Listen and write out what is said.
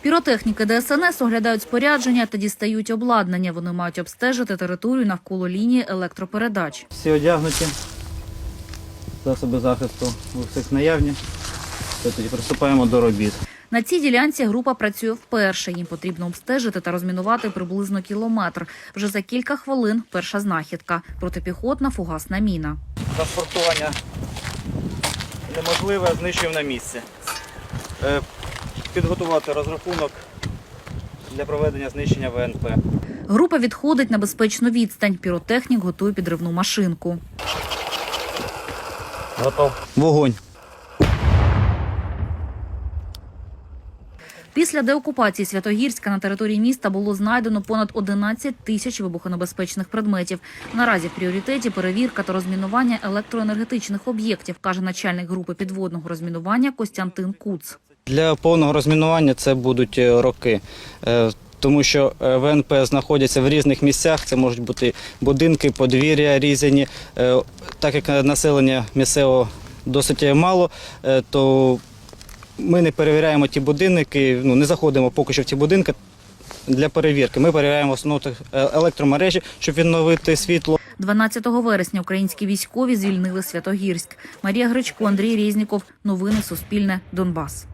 Піротехніки ДСНС оглядають спорядження та дістають обладнання. Вони мають обстежити територію навколо лінії електропередач. Всі одягнуті, засоби захисту у всіх наявні. Тоді приступаємо до робіт. На цій ділянці група працює вперше. Їм потрібно обстежити та розмінувати приблизно кілометр. Вже за кілька хвилин перша знахідка – протипіхотна фугасна міна. Транспортування неможливе, знищуємо на місці. Підготувати розрахунок для проведення знищення ВНП. Група відходить на безпечну відстань. Піротехнік готує підривну машинку. Готов. Вогонь. Після деокупації Святогірська на території міста було знайдено понад 11 тисяч вибухонебезпечних предметів. Наразі в пріоритеті перевірка та розмінування електроенергетичних об'єктів, каже начальник групи підводного розмінування Костянтин Куц. Для повного розмінування це будуть роки. Тому що ВНП знаходяться в різних місцях, це можуть бути будинки, подвір'я різні. Так як населення місцевого досить мало, то ми не перевіряємо ті будинки, не заходимо поки що в ті будинки для перевірки. Ми перевіряємо основну електромережі, щоб відновити світло. 12 вересня українські військові звільнили Святогірськ. Марія Гречко, Андрій Резніков. Новини Суспільне. Донбас.